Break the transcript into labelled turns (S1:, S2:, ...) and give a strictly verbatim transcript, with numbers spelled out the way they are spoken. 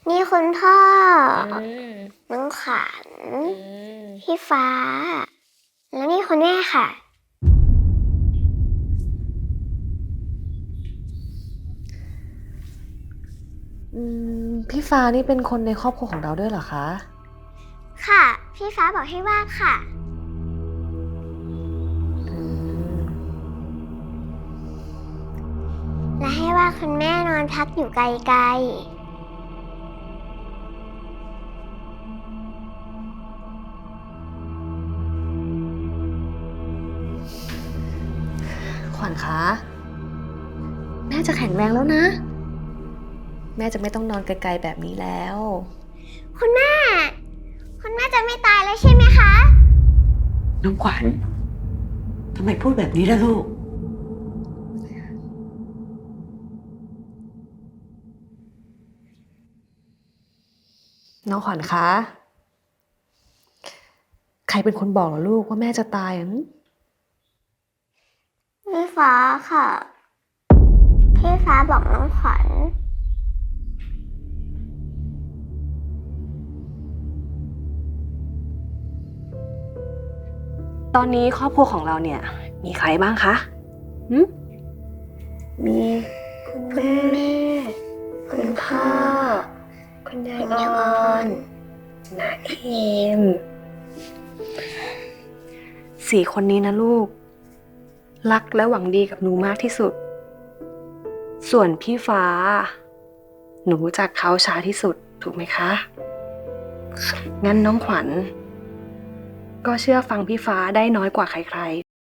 S1: นี่คุณพ่อ
S2: อืม
S1: น้องขวัญ
S2: อืม
S1: พี่ฟ้า แล้วนี่คุณแม่ค่ะ
S3: อืม พี่ฟ้านี่เป็นคนในครอบครัวของเราด้วยเหรอคะ?
S1: ค่ะ พี่ฟ้าบอกให้วาดค่ะ
S3: อืม
S1: และให้วาดคุณแม่นอนพักอยู่ไกล ๆ
S3: ขวัญคะ แม่จะแข็งแรงแล้วนะ แม่จะไม่ต้องนอนไกล ๆ แบบนี้แล้ว
S1: คุณแม่ คุณแม่จะไม่ตายแล้วใช่ไหมคะ?
S4: น้องขวัญ ทำไมพูดแบบนี้ล่ะลูก?
S3: น้องขวัญคะ ใครเป็นคนบอกเหรอลูกว่าแม่จะตายอะ? หือ
S1: พี่ฟ้าค่ะ พี่ฟ้าบอกน้องขวัญ
S3: ตอนนี้ครอบครัวของเราเนี่ย มีใครบ้างคะ? หือ มีคุณแม่ คุณพ่อ คุณยายออน น้าเอม สี่ คนนี้นะลูก รักและหวังดีกับหนูมากที่สุด ส่วนพี่ฟ้า หนูรู้จักเขาช้าที่สุด ถูกไหมคะ? งั้นน้องขวัญ ก็เชื่อฟังพี่ฟ้าได้น้อยกว่าใคร ๆ